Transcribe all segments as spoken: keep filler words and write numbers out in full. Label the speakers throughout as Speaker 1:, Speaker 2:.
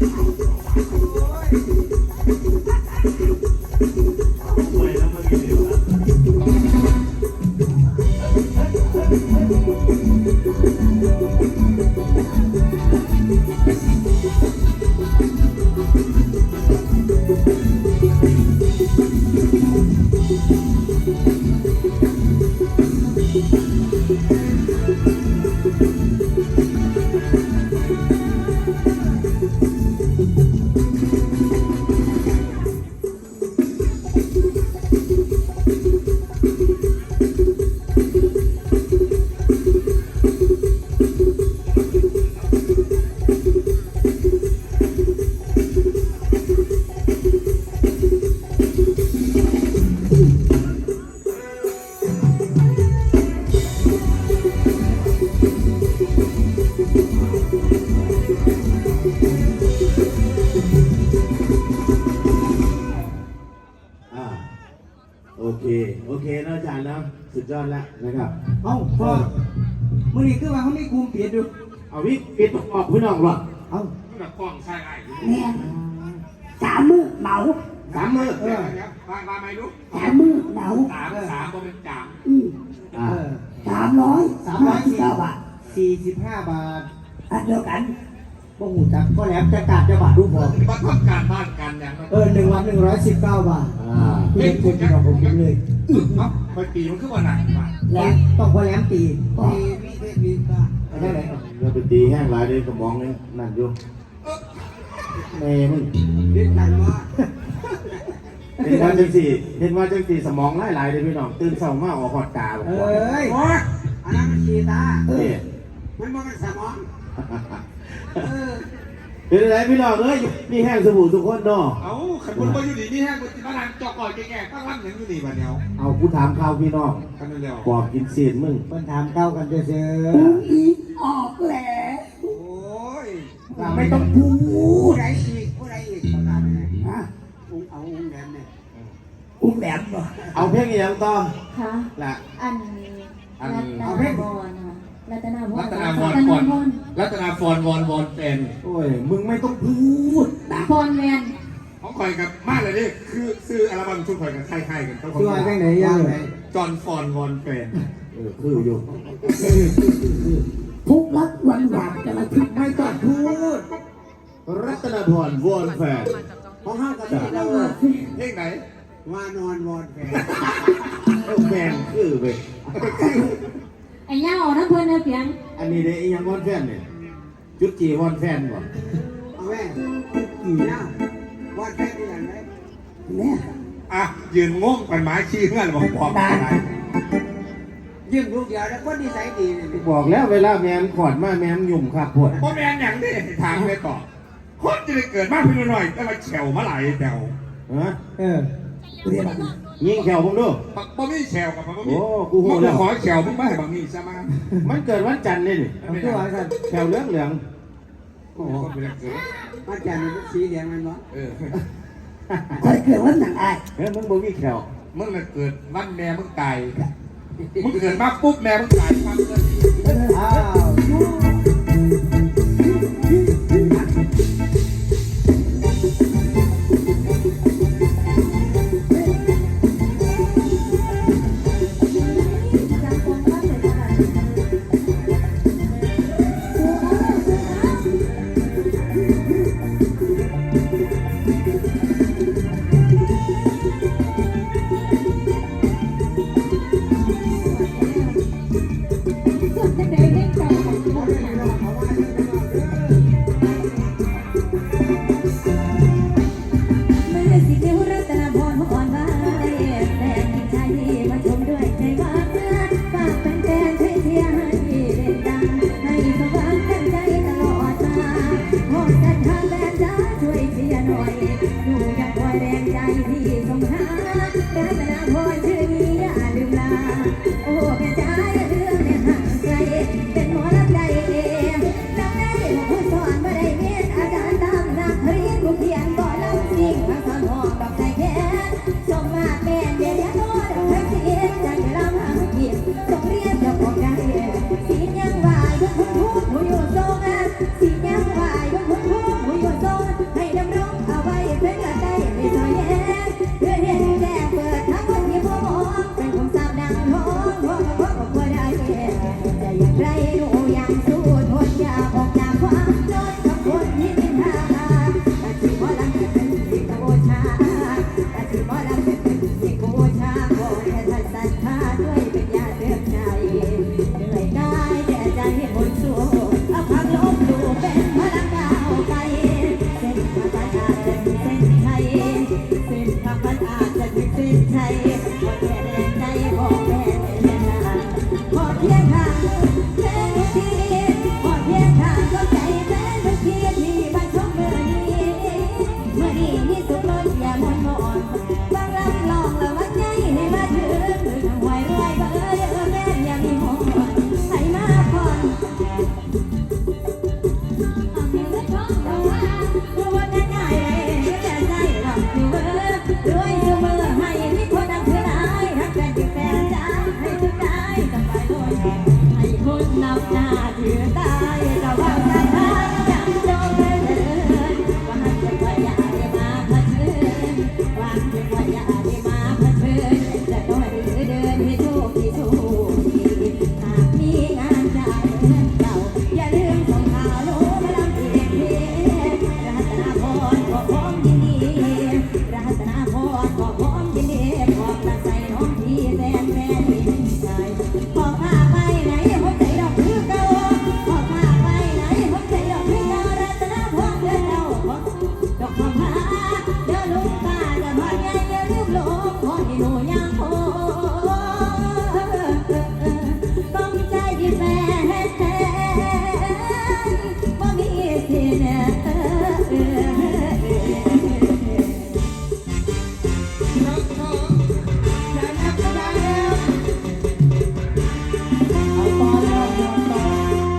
Speaker 1: โอเคโอเคนะอาจารย์นะสุดยอดแล้วนะครับ
Speaker 2: เอ้าพ่อมื่อนี้คือว่าเขาไม่กลุ่มเปลี่ยนดู
Speaker 1: เอาวิปิดออกพี่น้องหรอ
Speaker 2: เอ้า
Speaker 3: แบบกล้องใช่ไอ้
Speaker 4: แม่สามมือเหมา
Speaker 1: สามมือ
Speaker 3: เออครับมามาไหมลูก
Speaker 4: สามมือเหมา
Speaker 3: สามสามก็เป็นจาม
Speaker 4: อืม
Speaker 1: อ่า
Speaker 2: เออ
Speaker 4: สามร้อย
Speaker 2: สามร้อย
Speaker 4: สิบ
Speaker 2: สี่
Speaker 4: เก้าบาท
Speaker 2: สี่สิบห้าบาท
Speaker 4: อันเดียวกัน
Speaker 2: บ่หูจักก็แหลมจะกาดจะบาทรูปพอ
Speaker 3: มาทำการบ้านกันอย่างนั้น
Speaker 2: เออหนึ่งวันหนึ่งร้อยสิบเก้าบาท
Speaker 1: อ่า
Speaker 2: เล่นคุณที่เราผมกินเลย
Speaker 3: เนาะไปปีมันขึ้นวันไหนมา
Speaker 2: แหลมต้องพอแหลมตีตีวิเวกวิก็ไม่ได้ไหน
Speaker 1: เราไปตีแห้งหลายเลยกระมองนี่นั่นอยู่แม่มึง
Speaker 2: เล่นกันว่า
Speaker 1: เห็นว่าจังสี่เห็นว่าจังสี่สมองหลายๆเลยพี่น้องตื่นเช้ามาออกหอดตาบอก
Speaker 2: เอ้
Speaker 1: ว่าย
Speaker 2: อันนั้นมันชีตา
Speaker 1: นี่
Speaker 2: มันมันเป็นสมองเออ
Speaker 1: เป็นไรพี่น้องเอ้ยนี่แห้งสบู่ทุกคนเนาะ
Speaker 3: เอ้าขันคนมาอยู่ดีนี่แห้งคนที่มาทางจอกก่อยแก่ๆตั้งวันหนึ่งอยู่ดีวันเดียว
Speaker 1: เอากูถามข่าวพี่น้อง
Speaker 3: กันเร็ว
Speaker 1: ปอบกินเศษมึง
Speaker 2: มันถามเก้ากันเจอ
Speaker 4: อุ้งอีออกแล้ว
Speaker 3: โอ้ย
Speaker 2: ไม่ต้องพูดผู้ใดอีกผู้ใดอีกประกาศเลย
Speaker 4: ฮะ
Speaker 2: อุ้งเอาอุ้งแหลมเนี่ย
Speaker 4: อุ้งแหลมบ่
Speaker 1: เอาเพลงอีหยังต่อ
Speaker 5: ค่ะ
Speaker 1: ละ
Speaker 5: อัน
Speaker 1: อัน
Speaker 5: รัตนาบอลค่ะรัตนาบอล
Speaker 3: รัตนาฟอนฟอนรัตนาฟอนวอนวอนเป็น
Speaker 1: โอ้ยมึงไม่ต้องพูด
Speaker 5: ฟอนแมน
Speaker 3: ของคอยกับมากเลยนี่คือซื้ออัลบั้มชุดคอยกับค่ายๆกันต้อง
Speaker 2: ช่วยได้ไหนย่างไหน
Speaker 3: จอห์นฟอนวอนเป็น
Speaker 1: เออคืออยู่
Speaker 4: ทุกรักหวานหวานกันละทิศ
Speaker 2: ไม่ต้องพูด
Speaker 1: รัตนพรวอนแฟน
Speaker 2: ของห้างกันที่เรา
Speaker 3: เพลงไหน
Speaker 2: ว่านอนวอนแฟน
Speaker 1: เอ้าแฟนคือเว้ย
Speaker 5: ไอ้ย่าออกน้ำเพลินเพียง
Speaker 1: อันนี้เด้อีหยังวอนแฟนเนี่ยจุดจีวอนแฟนบ่
Speaker 2: เอาแม่กี่นะวอนแฟนที่ไหนไหม
Speaker 4: เนี่ย
Speaker 3: อ่ะยืนงงกันหมายชี้เงื่อนบอกบอกอะไร
Speaker 2: ยืมลูกเดียวแล้วคนนิสัยดีเลย
Speaker 1: บอกแล้วเวลาแมนขอดมาแมนหยุ่มขาดปวด
Speaker 3: พ่อแม่อย่างนี้ทางเลยต่อคนจะได้เกิดมากเพียงหน่อยก็มาแฉวมาไหลแฉว
Speaker 1: ฮะ
Speaker 2: เออ
Speaker 4: เรียกมัน
Speaker 1: ยิงแขวผมดู
Speaker 3: ปักบ่มีแฉวกับปักบ่มี
Speaker 1: โอ้กูโห
Speaker 3: มึง
Speaker 1: แล้ว
Speaker 3: ขอแฉวมึงไม่ให้บังนี่ใช่ไหม
Speaker 1: มันเกิดวันจันทร์นี่นี่
Speaker 2: เอาตัวอะไรกัน
Speaker 1: แขวเหลืองเหลือง
Speaker 3: โอ้โหคนเป็นเกิด
Speaker 2: มาจากนี่สีเหลืองมันวะ
Speaker 3: เออ
Speaker 4: คอยเกิดวันหนังอาย
Speaker 1: เฮ้ยมึงบ่มีแขว
Speaker 3: มึงน่ะเกิดวันแม่มึงตายมึงเกิดมาปุ๊บแม่มึงตายความเกิด
Speaker 2: อ้าว
Speaker 6: ไกลเส้นทางมันอาจจะมีเส้นชัยเส้นทางมันอาจจะมีเส้นชัยขอแค่แรงใจขอแค่แรงงานขอเพียงทางแค่ทุกทีขอเพียงทางเข้าใจแค่ทุกทีที่บ้านชมเมื่อนี้เมื่อนี้มีสุขล้นอย่ามนมอนบางลำลองละวัดใหญ่ให้มาถึงหรือทางไหวรวยเบอร์เด้อแม่อย่ามีหอนให้มาพรเอาเงินไปท่องเราว่าตัวว่าง่ายๆเลยแต่ใจเราคือเบอร์รวยเสมอให้มีคนดังเท่าไรรักกันอยู่แฟนจ้าให้ทุกได้สบายด้วยให้คนนับหน้าถือตายแต่ว่าใจทางจำจงเลยเถิดว่าหันจะว่าอย่าได้มาเผชิญว่าจะว่าอย่าได้มาเผชิญจะต้องหรือเดินให้โชคดีโชคดีหากมีงานจ่ายเงินเก่าอย่าลืมส่งข่าวโน้มาลำเอียงเพรัตนาพรขอพร้อมยินดีรัตนาพรขอพร้อมยินดีขอบตาใส่น้องพี่แฟนแฟนพี่ชายขอพาไปไหนผมใจดอกคือเก่าขอพาไปไหนผมใจดอกคือเก่ารัตนาพรเดินเจ้าดอกคำพาเดินลุกป่าจะพาใหญ่อย่าลืมหลงขอให้หนูยังคงต้องใจแฟนว่ามีสิเนอ
Speaker 3: น้องน้องอย่านับก็ได้แล้ว
Speaker 4: เอาต่อแล้วเอาต่อ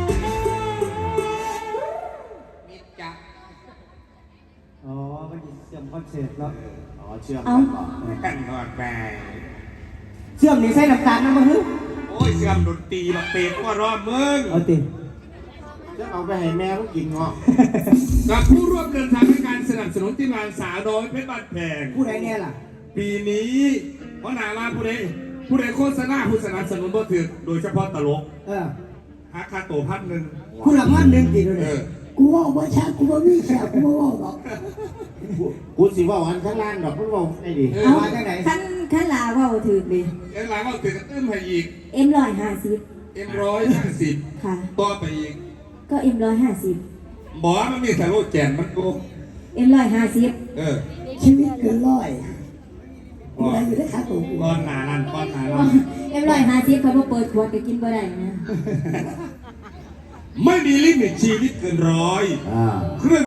Speaker 3: มิดจับ
Speaker 2: อ๋อมันเสื่อมคอนเสิร์ตแล้ว
Speaker 1: อ๋อเชื่อมกันบ่
Speaker 3: กันก่อนไป
Speaker 2: เสื่อมนี่ใส่น้ำตาลนะมึงฮึ
Speaker 3: โอ้ยเสื่อมดนตรีมาเปรตก็รอบมึง
Speaker 2: เอาติ
Speaker 1: จะเอาไปให้แม่เขากินเงาะ
Speaker 3: กับผู้ร่วมเดินทางในการสนับสนุนทีมงานสาวน้อยเพชรบ้านแพง
Speaker 2: ผู้ใดเนี่ยล่ะ
Speaker 3: ปีนี้เพราะหนามาผู้ใดผู้ใดโฆษณาผู้สนับสนุนบ่ถือโดยเฉพาะตลก
Speaker 2: เออ
Speaker 3: หาค่าตัวพันหนึ่ง
Speaker 2: คุณละพันหนึ่งกี่ดู
Speaker 3: เอ
Speaker 2: เนี่ย
Speaker 3: อ
Speaker 4: กูว่าบ่ชักกูบ่มีแขกกูบ่เว้าหรอก
Speaker 1: กูสิเว่าอันข้างล่างดอกมันเว่าไอ้ดิ
Speaker 3: เออ
Speaker 2: เอา
Speaker 3: มา
Speaker 2: มาจากไหน
Speaker 6: ขั้นขั้นลาเว่าถือเลย
Speaker 3: เอ็มหลังเอาตึกตึ้มให้อีก
Speaker 6: เอ็มร้อยห้าสิบ
Speaker 3: เอ็มร้อยห้าสิบ
Speaker 6: ค่ะ
Speaker 3: ต่อไปอีก
Speaker 6: ก็เอ็มร้อยห้าสิบ
Speaker 3: บอกว่ามันมีแต่โลแจนมันโก
Speaker 6: เอ็มร้อยห้าสิบ
Speaker 3: เออ
Speaker 4: ชีวิตเกินร้อยกูได้อยู่ได้ขาตัวกู
Speaker 3: ก้อนหนานั่นก้อนหนานั่น
Speaker 6: เอ็มร้อยห้าสิบเขาบอกเปิดขวดก็กินบ่ได้นะ
Speaker 3: ไม่มีลิมิตชีวิตเกินร้อย
Speaker 1: อ่า
Speaker 3: เครื่อง